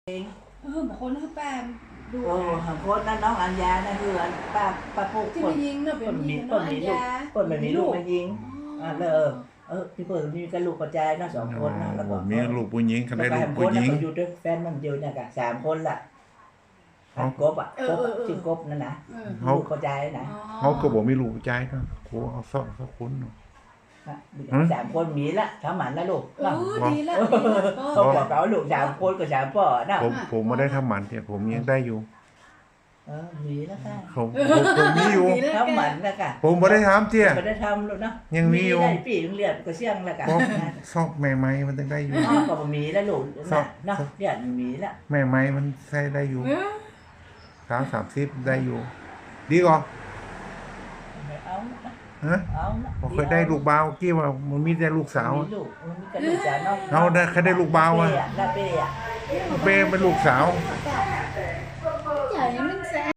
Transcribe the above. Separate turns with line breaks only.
บางคนคือแปมดู
หังโคตรนั่นน้องอัญญานั่นคือป้าปุ๊ก
ที่
คน
มายิงเนาะเป็นยิงน้องอัญญา
คนไม่มีลูกมายิงพี่เปิดมีกันลูกกระจายนะ2 คนนะแล้วก็
มีลูกผู้หญิงเขาได้ลูกผู้หญิง
อยู่ด้วยแฟนมันอยู่เนี่ยกัน3 คนละกบชื่อกบนั่นนะลูกกระจายนะ
เขาก็บอกมีลูกใจนะโหเอาสักคน
3 คนมีละทำหมันนะลูก
ดีละ
เขาบอกเขาลูก3 คนกับ3 พ่อนะ
ผมไม่ได้ทำหมันเนี่ยผมยังได้อยู่
มีแล้วค่ะ
ผมมีอยู่
ทำหมันแล้วค่ะ
ผมไม่ได้ทำเตี้ย
ไม่ได้ทำลูกนะ
ยังมีอยู่
ได้ปีเรียนก็เสี่ยงแล้วกัน
ซอกแม่ไม้มันต้องได้อยู่
ก็มีแล้วลูกนะเรียนมีแล้ว
แม่ไม้มันใช้ได้อยู่30ได้อยู่ดีกว่าผมเคยได้ลูกบ่าวกี้ว่ามันมีแต่ลูกสาว
เอา
ได้แค่ได้ลูกบ่าวอ่ะเป้เป็นลูกสาว